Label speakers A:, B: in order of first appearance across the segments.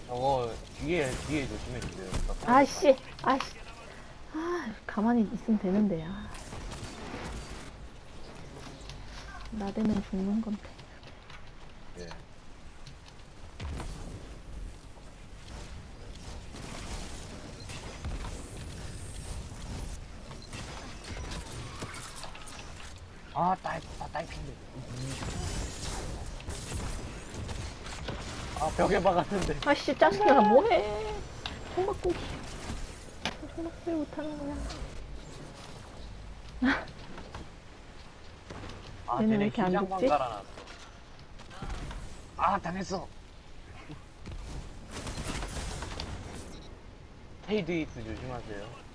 A: 저거 뒤에 조심해주세요.
B: 아씨, 아씨. 아, 가만히 있으면 되는데, 아. 나대면 죽는 건데.
A: 예. 딸핀데. 벽에 박았는데.
B: 아씨, 짜증나, 뭐해. 총각고기. 총각고기 못하는 거야. 얘는 왜
A: 쟤네
B: 이렇게 안
A: 기장만
B: 죽지?
A: 깔아놨어. 당했어. 헤이드이스 조심하세요.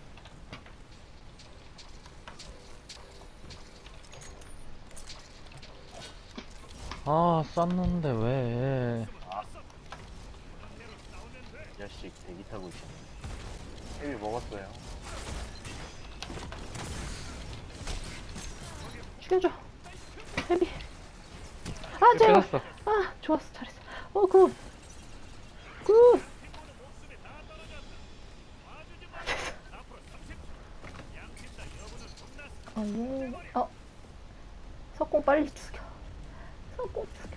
C: 아, 쌌는데 왜?
A: 이 자식 대기 타고 있어. 헤비 먹었어요.
B: 죽여줘. 헤비. 아, 제발.
C: 끝났어.
B: 아, 좋았어, 잘했어. 굿. 굿. 예. 석공 빨리 죽여. 석공 죽여.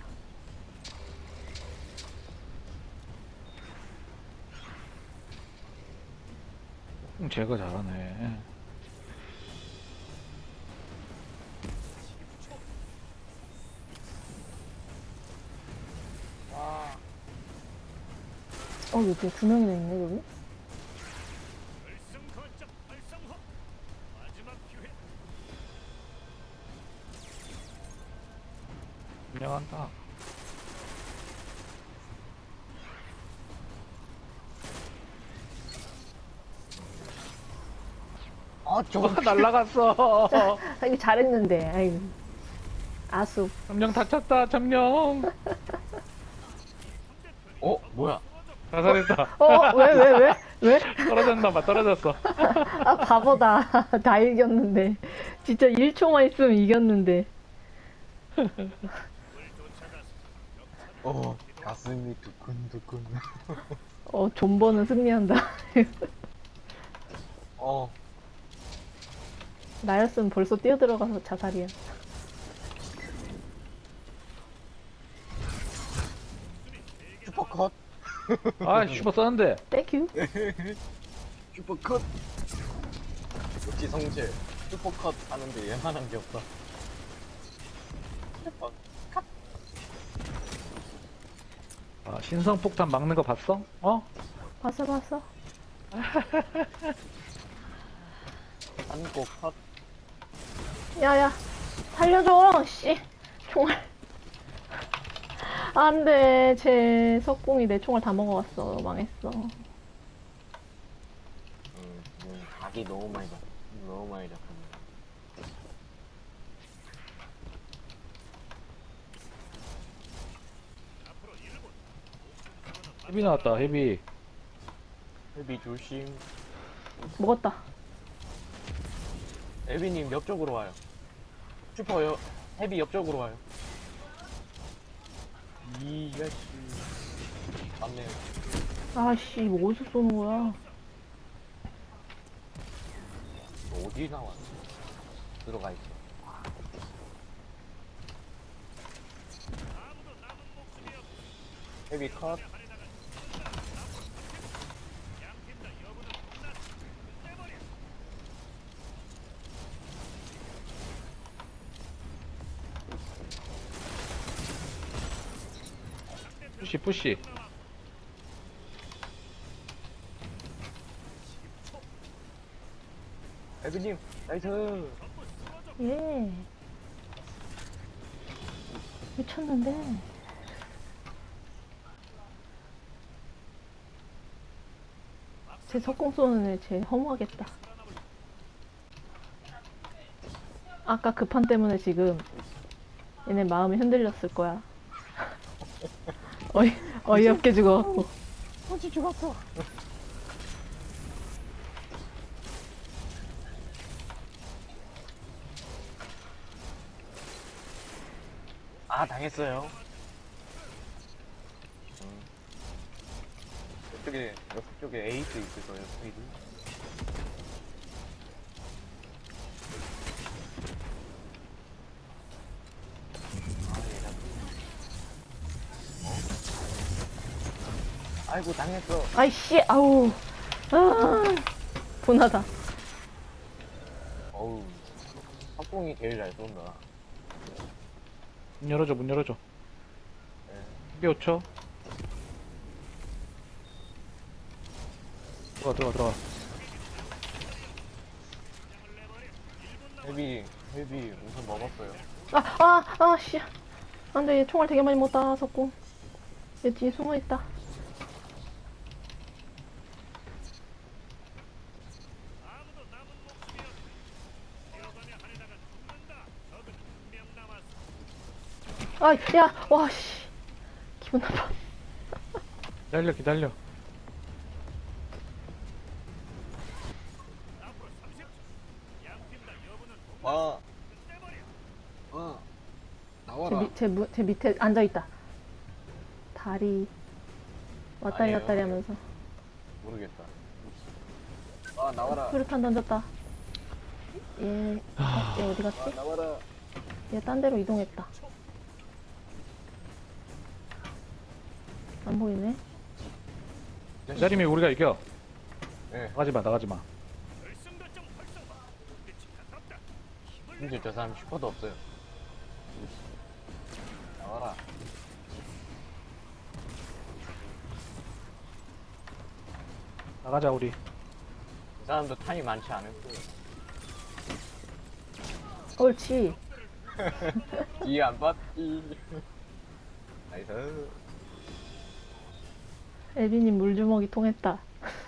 C: 제거 잘하네.
B: 여기 두 명이나 있네, 여기.
C: 인정한다.
A: 저거
C: 날라갔어.
B: 아, 이거 잘했는데, 아이고. 아수.
C: 점령 다쳤다. 점령.
A: 뭐야?
C: 자살했다.
B: 왜?
C: 떨어졌나 봐. 떨어졌어.
B: 아, 바보다. 다 이겼는데. 진짜 1초만 있으면 이겼는데.
A: 가슴이 두근두근.
B: 존버는 승리한다. 나였으면 벌써 뛰어들어가서 자살이야.
A: 슈퍼컷.
C: 슈퍼 썼는데.
B: 땡큐.
A: 슈퍼컷. 역시 성재. 슈퍼컷 하는데 얘만한 게 없다.
C: 신성폭탄 막는 거 봤어?
B: 봤어.
A: 한국 컷.
B: 야야, 살려줘, 씨. 총알. 안 돼, 제 석공이 내 총알 다 먹어갔어. 망했어.
A: 각이 너무 많이 잡혔네.
C: 헤비 나왔다. 헤비.
A: 헤비 조심.
B: 먹었다.
A: 에비님 옆쪽으로 와요. 헤비 옆쪽으로 와요. 이 자식. 맞네요.
B: 아씨, 이거 어디서 쏘는 거야?
A: 어디 나왔어? 들어가 있어. 헤비 컷.
C: 푸시.
A: 에비님 나이스.
B: 예. 미쳤는데. 제 석공 쏘는 애 쟤 허무하겠다. 아까 그 판 때문에 지금 얘네 마음이 흔들렸을 거야. 어이없게 죽어갖고.
A: 어찌 죽었어. 당했어요. 옆쪽에 에이스 있을 거예요, 스피드. 아이고, 당했어.
B: 아이씨, 아우. 아, 분하다.
A: 어우, 합공이 제일 잘 쏜다.
C: 문 열어줘, 문 열어줘.
A: 네.
C: 헤비 5초. 들어가.
A: 헤비 우선 먹었어요.
B: 씨. 안 돼, 얘 총알 되게 많이 못 땄었고. 얘 뒤에 숨어 있다. 아, 야, 와, 씨. 기분 나빠.
C: 기다려.
A: 와, 나와라.
B: 제 밑에 앉아있다. 다리. 왔다리
A: 아니에요.
B: 갔다리 하면서.
A: 모르겠다. 나와라.
B: 수류탄 던졌다. 얘 어디 갔지?
A: 나와라.
B: 얘 딴 데로 이동했다. 안 보이네.
C: 기다리면 우리가 이겨.
A: 네.
C: 나가지 마.
A: 심지어 저 사람 슈퍼도 없어요. 나와라.
C: 나가자, 우리.
A: 이 사람도 탄이 많지 않을 거예요.
B: 옳지.
A: 뒤에 안 봤지. 나이스.
B: 에비님 물주먹이 통했다.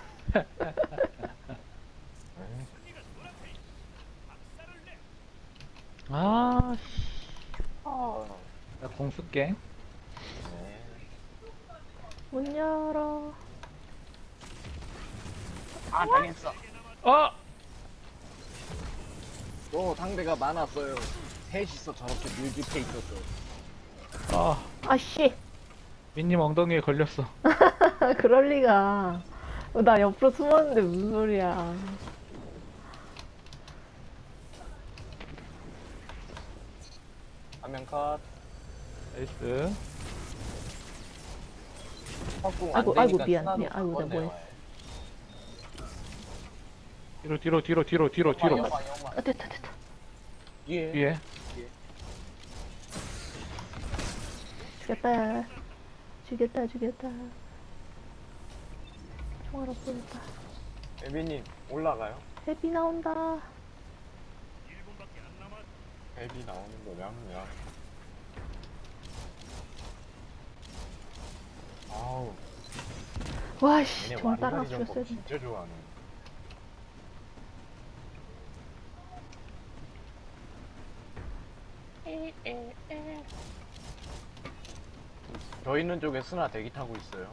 C: 아,
A: 아.
C: 나공 쓸게.
A: 네.
B: 문 열어.
A: 당했어.
C: 아!
A: 또 상대가 많았어요. 셋이서 저렇게 밀집해 있었어.
C: 아,
B: 아씨.
C: 민님 엉덩이에 걸렸어.
B: 그럴 리가. 나 옆으로 숨었는데 무슨 소리야.
A: 화면 컷.
C: 나이스.
A: 확공
B: 아이고,
A: 안 되니까
B: 미안.
A: 스나도
B: 아이고,
A: 바꿨네,
B: 내가 뭐해.
A: 와요.
C: 뒤로.
A: 연마.
B: 아, 됐다.
A: 뒤에.
C: 뒤에.
B: 죽였다. 총알 없어졌다.
A: 에비님 올라가요.
B: 헤비 나온다.
A: 에비 나오는 거냐면. 아우.
B: 와씨,
A: 얘네
B: 정말 따라가
A: 완전히
B: 죽였어야
A: 점프
B: 돼.
A: 진짜 좋아하네. 저 있는 쪽에 스나 대기 타고 있어요.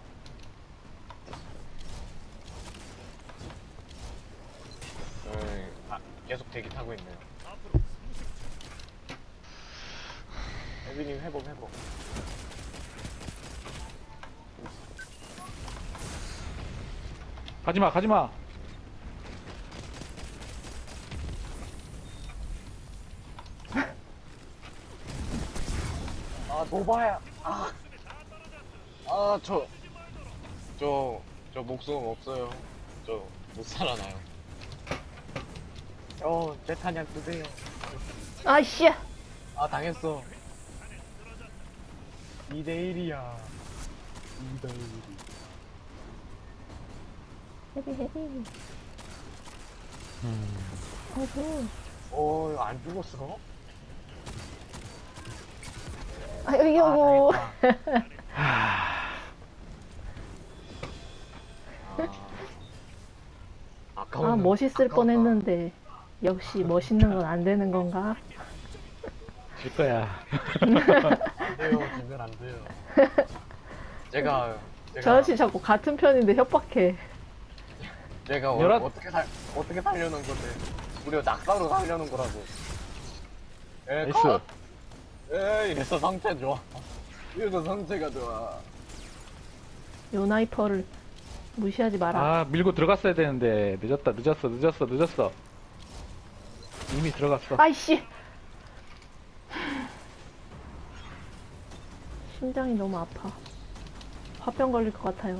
A: 계속 대기 타고 있네요. 에비님 회복.
C: 가지마.
A: 노바야. 저 목숨 없어요. 저 못 살아나요. 제 탄약 드세요.
B: 아이씨.
A: 당했어. 2대1이야. 2대1.
B: 헤비. 아이고.
A: 안 죽었어?
B: 아이고.
A: 아까워.
B: 멋있을 뻔했는데 역시 멋있는 건 안 되는 건가?
C: 질 거야.
A: 안 돼요. 지면 안 돼요. 제가
B: 저 아저씨 자꾸 같은 편인데 협박해.
A: 제가
C: 열한-
A: 어떻게 살려는 건데 무려 낙사로 살려는 거라고.
C: 나이스.
A: 이래서 상태 좋아. 이래서 상태가 좋아.
B: 요나이퍼를 무시하지 마라.
C: 아, 밀고 들어갔어야 되는데. 늦었어. 이미 들어갔어.
B: 아이씨! 심장이 너무 아파. 화병 걸릴 것 같아요.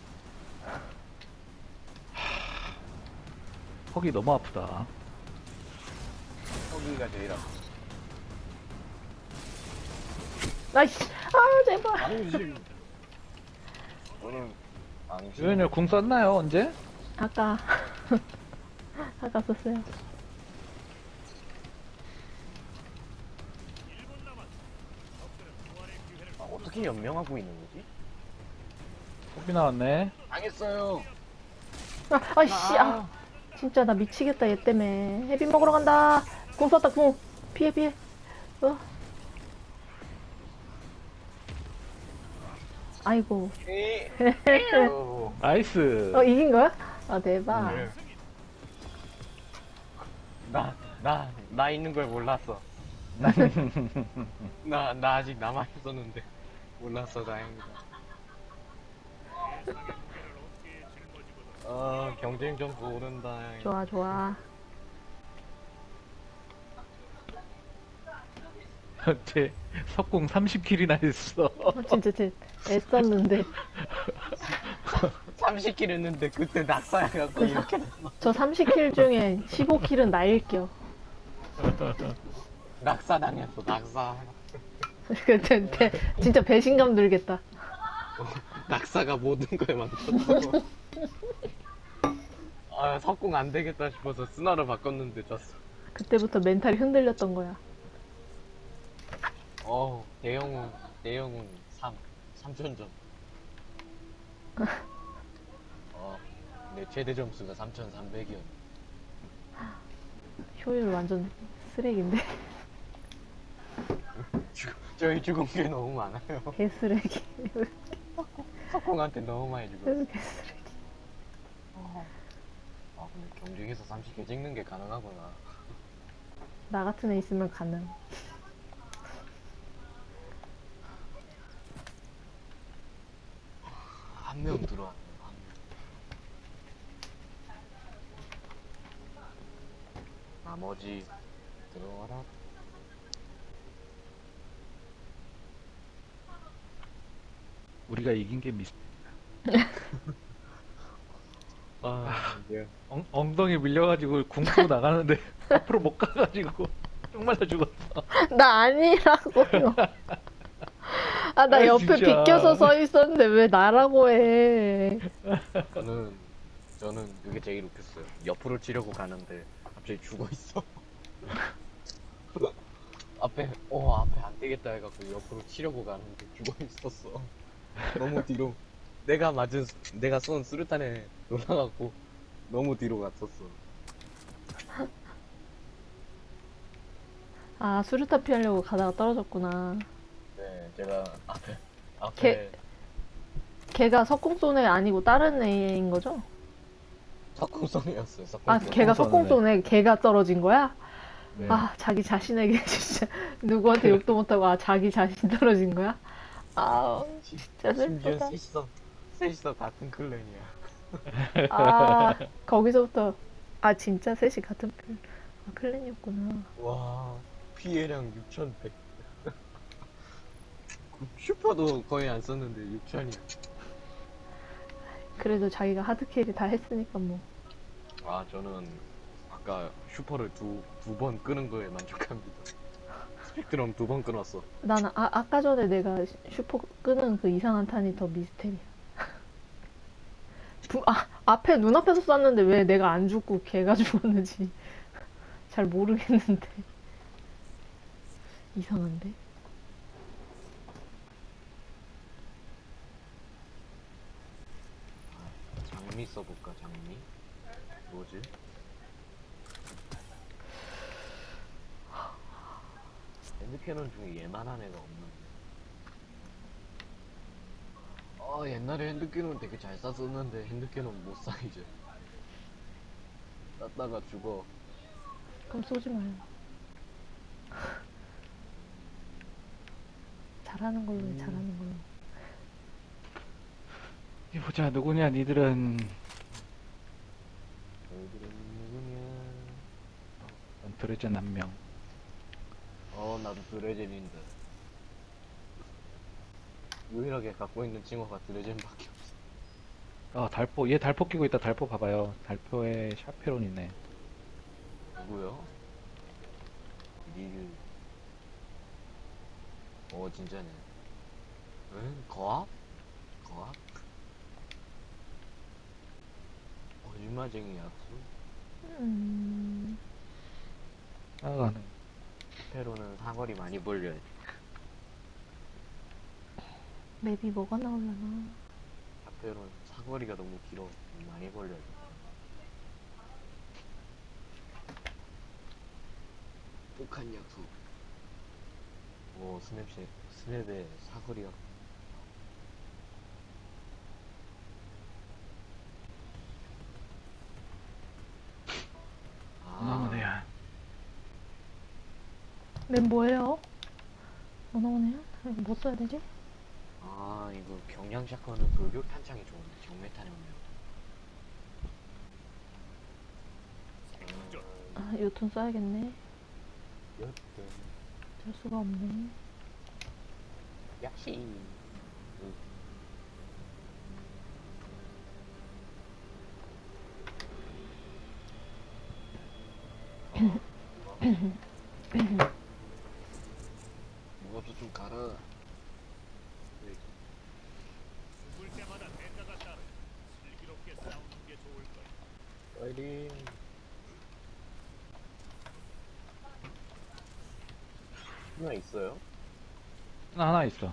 C: 턱이 너무 아프다.
A: 거기가 제일 아파.
B: 아이씨! 아, 제발!
A: 앙심. 저는 앙심.
C: 유연이 궁 썼나요, 언제?
B: 아까, 아까 썼어요.
A: 아, 어떻게 연명하고 있는 거지?
C: 소비 나왔네.
A: 당했어요.
B: 아이씨! 아, 진짜 나 미치겠다, 얘 때문에. 해비 먹으러 간다! 궁 썼다, 궁! 피해. 아이고.
C: 나이스.
B: 이긴 거야? 아, 대박.
A: 네. 나 있는 걸 몰랐어. 나 아직 남아있었는데. 몰랐어, 다행이다. 경쟁 좀 오른다.
B: 좋아.
C: 쟤 석궁 30킬이나 했어.
B: 진짜 애썼는데.
A: 30킬 했는데 그때 낙사해갖고 이렇게 됐어.
B: 저 30킬 중에 15킬은 나일겨.
A: 낙사 당했어, 낙사.
B: 근데 진짜 배신감 들겠다.
A: 낙사가 모든 걸 만들었어. 석궁 안 되겠다 싶어서 스나로 바꿨는데 졌어.
B: 그때부터 멘탈이 흔들렸던 거야.
A: 대영웅 3,000점. 내 최대 점수가 3,300이었네.
B: 효율 완전 쓰레기인데.
A: 저희 죽은 게 너무 많아요.
B: 개쓰레기.
A: 석궁한테 너무 많이 죽었어.
B: 개쓰레기.
A: 근데 경쟁에서 30개 찍는 게 가능하구나.
B: 나 같은 애 있으면 가능.
A: 한 명 들어왔네, 한 명. 나머지 들어와라.
C: 우리가 이긴 게 미스.
A: 이제
C: 엉덩이 밀려가지고 궁 쓰고 나가는데 앞으로 못 가가지고 쭉 말라 죽었어.
B: 나 아니라고요. 아, 나
C: 아이,
B: 옆에
C: 진짜.
B: 비껴서 서 있었는데 왜 나라고 해.
A: 저는 그게 제일 웃겼어요. 옆으로 치려고 가는데 갑자기 죽어 있어. 앞에 안 되겠다 해갖고 옆으로 치려고 가는데 죽어 있었어. 너무 뒤로. 내가 쏜 수류탄에 놀라갖고 너무 뒤로 갔었어.
B: 아, 수류탄 피하려고 가다가 떨어졌구나.
A: 네, 제가 앞에
B: 걔가 석궁쏘네 아니고 다른 애인 거죠?
A: 석궁성이었어요.
B: 아,
A: 석궁성.
B: 걔가 석궁쏘네. 걔가 떨어진 거야?
C: 네.
B: 아, 자기 자신에게 진짜 누구한테 욕도 못하고 자기 자신 떨어진 거야? 아, 진짜
A: 심지어
B: 슬프다.
A: 셋이서 같은 클랜이야.
B: 아, 거기서부터 진짜 셋이 같은 클랜이었구나.
A: 와, 피해량 6,100. 슈퍼도 거의 안 썼는데 6,000이야.
B: 그래도 자기가 하드캐리 다 했으니까 뭐.
A: 저는 아까 슈퍼를 두 번 끄는 거에 만족합니다. 스펙트럼 2번 끊었어.
B: 나는 아까 전에 내가 슈퍼 끄는 그 이상한 탄이 더 미스테리야. 앞에 눈앞에서 쐈는데 왜 내가 안 죽고 걔가 죽었는지 잘 모르겠는데. 이상한데?
A: 장미 써볼까, 장미? 뭐지? 핸드캐논 중에 얘만한 애가 없는데. 옛날에 핸드캐논 되게 잘 쐈었는데 핸드캐논 못 쏴 이제. 쐈다가 죽어.
B: 그럼 쏘지 마요. 잘하는 걸로 해, 잘하는 걸로.
C: 어디 보자, 누구냐, 니들은.
A: 너희들은 누구냐?
C: 넌 드레젠 한 명.
A: 나도 드레젠인데. 유일하게 갖고 있는 징어가 드레젠밖에 없어.
C: 아, 달포. 얘 달포 끼고 있다. 달포 봐봐요. 달포에 샤페론 있네.
A: 누구요? 니를. 진짜네. 응? 거압? 거압? 거짓말쟁이 약수?
C: 나가는.
A: 페로는 사거리 많이 벌려야 돼.
B: 맵이 뭐가 나오려나?
A: 페로는 사거리가 너무 길어. 많이 벌려야 돼. 북한 약수. 스냅의 사거리가.
C: 나무네야.
B: 맵 뭐예요? 뭐 나오네요? 이거 뭐 써야 되지?
A: 이거 경량 샷건은 돌격 탄창이 좋은데 정메탄이 없네요.
B: 요튼 써야겠네.
A: 여튼
B: 될 수가 없네.
A: 야시. 무엇도 좀 가라. 파이팅. 하나 있어요?
C: 나 하나 있어.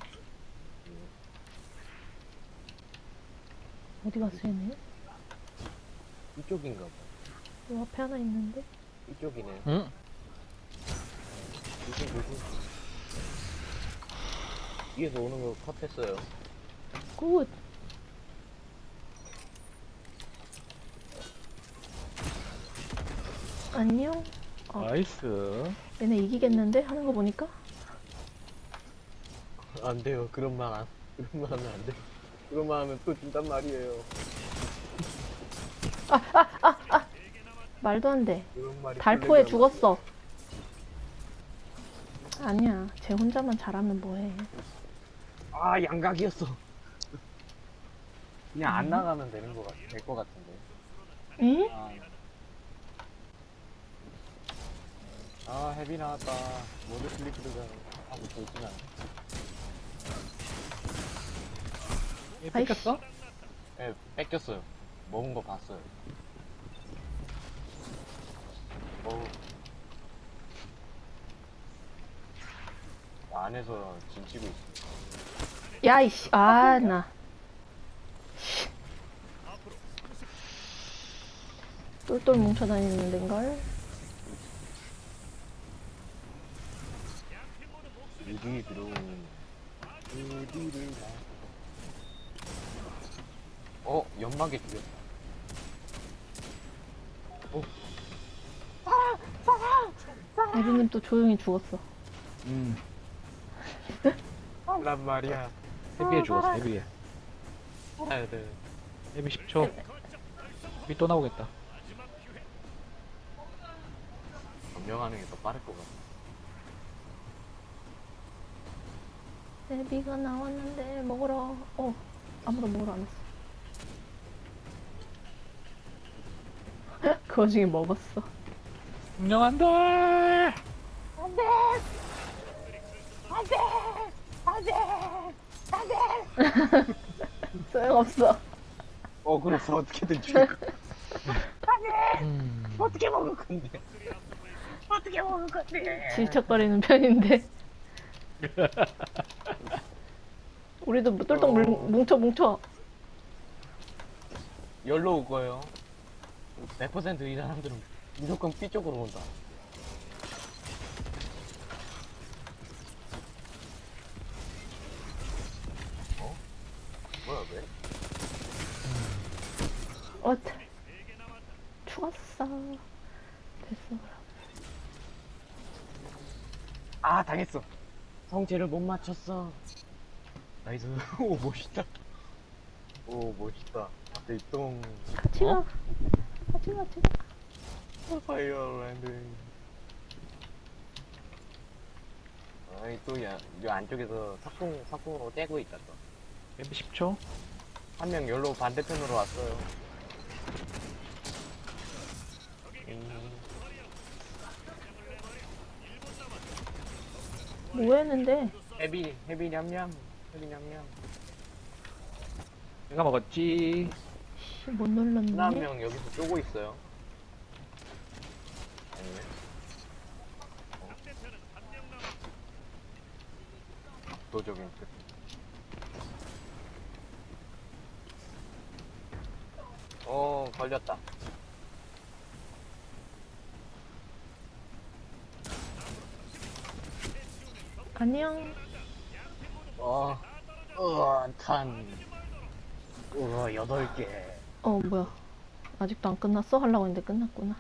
B: 어디 갔어 얘네?
A: 이쪽인가 봐.
B: 요 앞에 하나 있는데?
A: 이쪽이네.
C: 응?
A: 조심. 위에서 오는 거 컷했어요.
B: 굿! 안녕?
C: 나이스.
B: 얘네 이기겠는데? 하는 거 보니까?
A: 안 돼요. 그런 말 하면 안 돼. 그런 말 하면 또 준단 말이에요.
B: 말도 안 돼.
A: 그런 말이
B: 달포에
A: 플레이하면
B: 죽었어. 아니야. 쟤 혼자만 잘하면 뭐해.
A: 양각이었어. 그냥 안 나가면 될 것 같은데.
B: 응?
A: 헤비 나왔다. 모드 슬리프드가 하고 있구나.
C: 얘
B: 아이씨.
C: 뺏겼어?
A: 예, 뺏겼어요. 먹은 거 봤어요. 안에서 진치고 있어.
B: 야, 이씨. 나. 똘똘 뭉쳐다니는 데인걸?
A: 어디 들어오는 어디를 연막에 죽였어.
B: 에비님 또 조용히 죽었어.
A: 란 말이야.
C: 헤비에 죽었어, 헤비에.
A: 해야 돼.
C: 헤비 10초. 헤비 또 나오겠다.
A: 점령하는 게 더 빠를 것 같아.
B: 에비가 나왔는데 먹으러. 아무도 먹으러 안 왔어. 그 와중에 먹었어.
C: 운영한다!
B: 소용없어.
A: 그래서 어떻게든 죽일 거. 어떻게 먹을 건데? 어떻게 먹을 건데?
B: 질척거리는 편인데. 우리도 똘똘 뭉쳐.
A: 열로 올 거예요. 100%이 사람들은 무조건 B 쪽으로 온다. 뭐야 왜?
B: 죽었어. 됐어.
A: 당했어. 성체를 못 맞췄어. 나이스. 오 멋있다. 오, 멋있다. 앞에 똥.
B: 같이 가.
A: 어?
B: 같이 가.
A: 파이어랜드. 아이, 또, 야, 이 안쪽에서 석궁으로 떼고 있다, 또.
C: 맵이 10초.
A: 한 명 열로 반대편으로 왔어요.
B: 뭐 했는데?
A: 헤비 냠냠. 헤비 냠냠.
C: 내가 먹었지.
B: 씨, 못 눌렀네.
A: 하나 한 명 여기서 쪼고 있어요. 아니네. 압도적인 끝. 걸렸다.
B: 안녕.
A: 탄. 8개.
B: 뭐야. 아직도 안 끝났어? 하려고 했는데 끝났구나.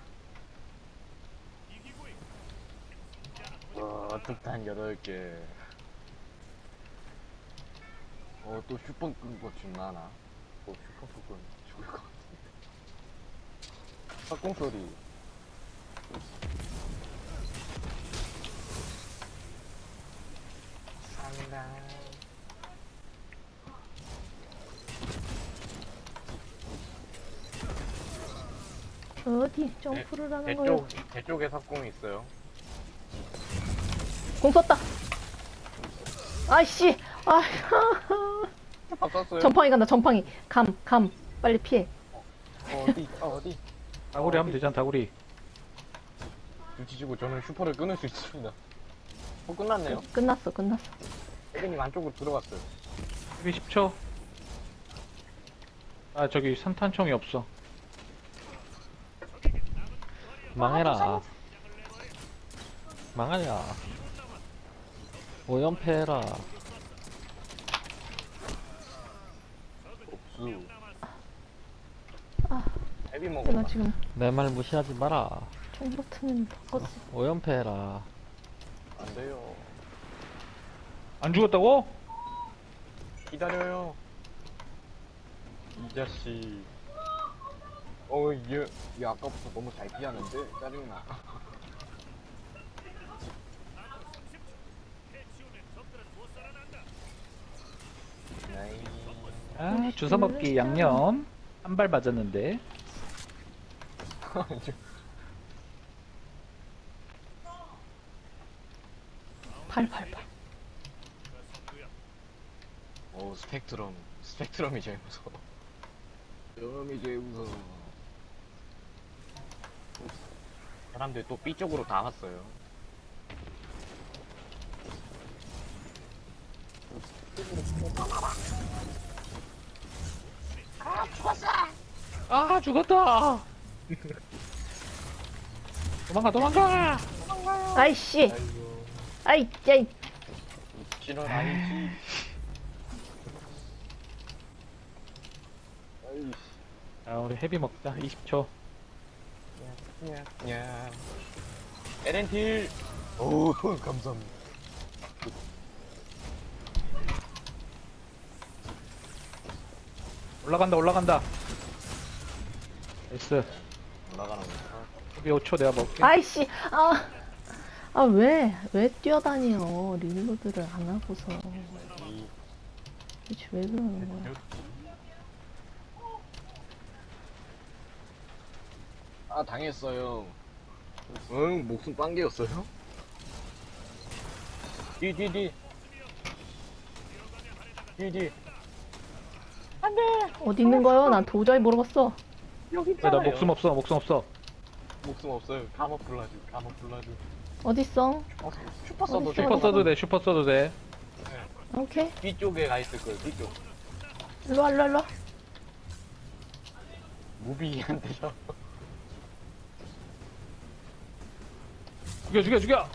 A: 특탄 8개. 또 슈퍼 끈거 죽나나? 슈퍼 끈 죽을 것 같은데. 석궁 소리. 상당.
B: 어디 점프를 하는 거야?
A: 제 쪽에 석궁이 있어요.
B: 공 썼다. 아이씨. 아,
A: 바꿨어요.
B: 전팡이 간다. 전팡이. 감. 빨리 피해.
A: 어디?
C: 다구리 하면 되잖아, 다구리.
A: 눈치 주고 저는 슈퍼를 끊을 수 있습니다. 끝났네요.
B: 끝났어.
A: 혜빈님 안쪽으로 들어갔어요.
C: 맵이 10초. 아, 저기 산탄총이 없어.
D: 망해라. 망하냐. 오연패해라.
A: 없수.
B: 아.
A: 혜빈
B: 내가
A: 먹었나?
B: 지금
D: 내 말 무시하지 마라.
B: 총 버튼을 바꿨어.
D: 오연패해라.
A: 안 돼요.
C: 안 죽었다고?
A: 기다려요. 이 자식. 얘 아까부터 너무 잘 피하는데? 짜증나. 나이.
C: 아, 주워 먹기 양념. 한 발 맞았는데.
B: 팔.
A: 스펙트럼이 제일 무서워. 스펙트럼이 제일 무서워. 사람들 또 B 쪽으로 다 왔어요.
C: 아, 죽었다. 도망가.
B: 아이씨.
A: 아이고.
B: 아이, 야이.
A: 실은 아니지. 아이씨.
C: 아, 우리 헤비 먹자. 20초.
A: 야. 에렌틸. 오, 감사합니다.
C: 올라간다. 나이스.
A: 올라가는 거.
C: 헤비 5초 내가 먹을게.
B: 아이씨. 왜 뛰어다녀? 릴로드를 안 하고서.
A: 이
B: 도대체 왜 그러는 거야?
A: 당했어요. 응, 목숨 빵개였어요? 뒤.
B: 어디 있는 거요? 난 도저히 모르겠어.
A: 여기
C: 야, 나 목숨 없어.
A: 목숨 없어요. 카모플라주.
B: 어딨어?
A: 슈퍼 써도 돼.
C: 슈퍼 써도 돼.
B: 오케이.
A: 뒤쪽에 가 있을 거예요, 뒤쪽.
B: 일로 와.
A: 무비한테요.
C: 죽여.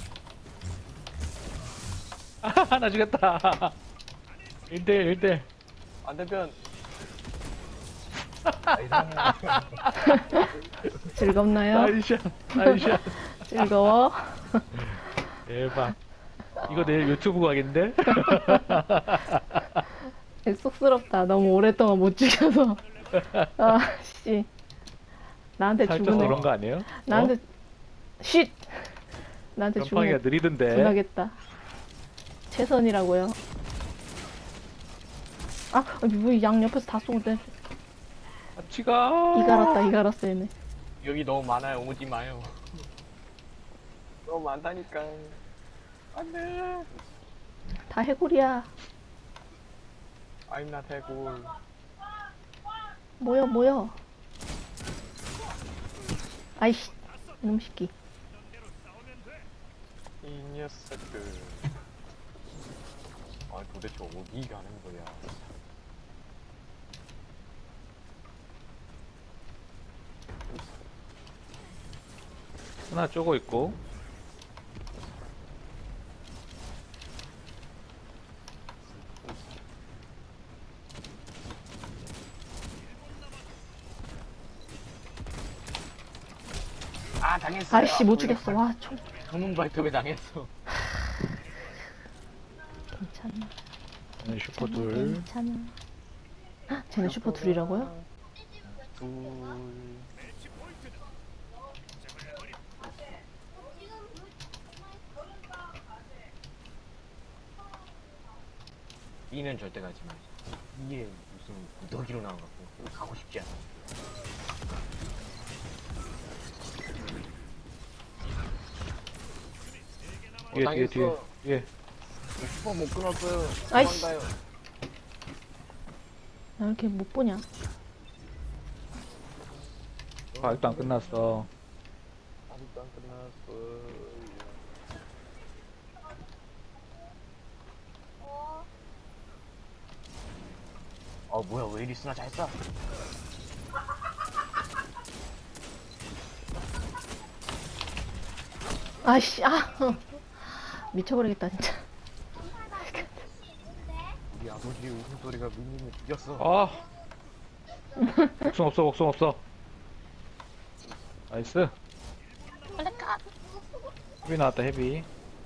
C: 아, 나 죽였다. 1대1.
A: 반대편.
B: 즐겁나요?
C: 나이샷.
B: 즐거워?
C: 대박. 이거 내일 유튜브 가겠는데?
B: 쑥스럽다. 너무 오랫동안 못 죽여서. 아, 씨. 나한테
C: 살쪄서
B: 죽은 애.
C: 그런 거 아니에요?
B: 나한테, 쉿! 나한테 죽은
C: 전팡이가
B: 애
C: 느리던데.
B: 분하겠다. 최선이라고요. 아, 왜양 옆에서 다 쏘는데.
C: 같이 가.
B: 이갈았어, 얘네.
A: 여기 너무 많아요. 오지 마요. 너무 많다니까. 안돼.
B: 다 해골이야.
A: I'm not 해골.
B: 모여. 아이씨, 이놈 새끼.
A: 이 녀석들. 아 도대체 어디 가는 거야?
C: 하나 쪼고 있고.
A: 아 당했어요.
B: 아이씨, 못 죽였어. 와, 총.
A: 전문 발톱에 당했어.
B: 괜찮아.
C: 네, 슈퍼 둘.
B: 괜찮아. 헉, 쟤네 슈퍼 둘이라고요?
A: 둘. B는 절대 가지 마. 이게 무슨 무더기로 나온 것 같고 가고 싶지 않아.
C: 뒤에, 뒤에, 뒤에.
A: 당했어.
C: 예.
A: 슈퍼 못 끊었어요.
B: 아이씨.
A: 도망가요.
B: 나 이렇게 못 보냐?
C: 아직도 안 끝났어.
A: 아직도 안 끝났어. 뭐야 왜 이리 쓰나 잘 쏴.
B: 아이씨, 미쳐버리겠다, 진짜.
A: 우리 아버지의 웃음소리가 민님을 죽였어.
C: 아. 복숭 없어. 나이스. 헤비 나왔다, 헤비.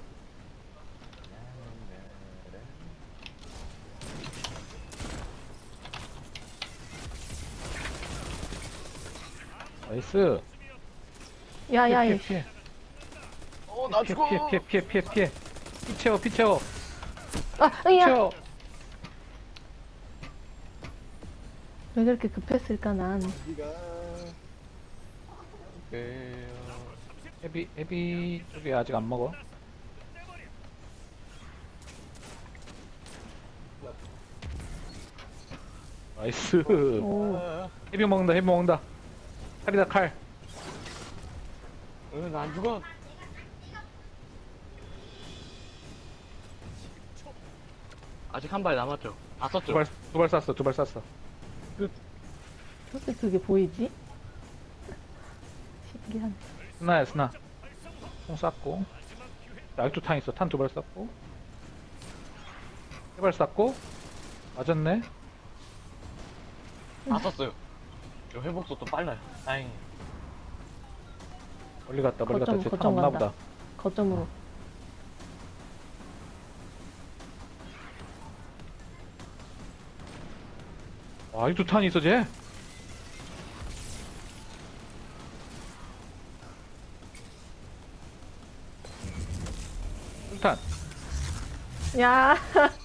C: 나이스.
B: 야,
C: 피해,
B: 이
C: 피해.
A: 나
C: 피해,
A: 죽어.
C: 피해. 피 채워.
B: 으야!
C: 채워.
B: 왜 그렇게 급했을까, 난.
A: 어디가?
C: 헤비 쪽에 아직 안 먹어. 나이스.
B: 오,
C: 헤비 먹는다. 칼이다, 칼.
A: 나안 죽어. 아직 한 발 남았죠. 다 썼죠.
C: 두 발 쐈어.
B: 어떻게 그게 보이지? 신기하네.
C: 스나. 총 쐈고. 아직도 탄 있어. 탄 두 발 쐈고. 세 발 쐈고. 맞았네.
A: 다 썼어요. 저 회복 속도 빨라요. 다행히.
C: 멀리 갔다.
B: 거점
C: 쟤탄 없나
B: 간다.
C: 보다.
B: 거점으로.
C: 아직도 탄이 있어, 쟤. 탄.
B: 야,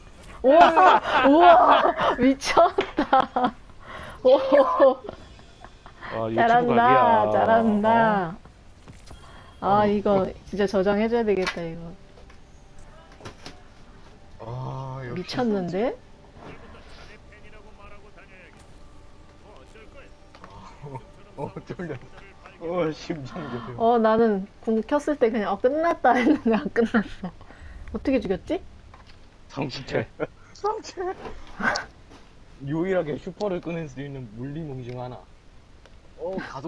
B: 우와, 미쳤다. 오,
C: 와,
B: 잘한다,
C: 각이야.
B: 잘한다. 이거 진짜 저장해줘야 되겠다, 이거.
A: 역시.
B: 미쳤는데?
A: 쫄려. 심장 조여.
B: 나는 궁 켰을 때 그냥 끝났다 했는데 안 끝났어. 어떻게 죽였지?
A: 성체. 유일하게 슈퍼를 끊을 수 있는 물리무기 중 하나. 가속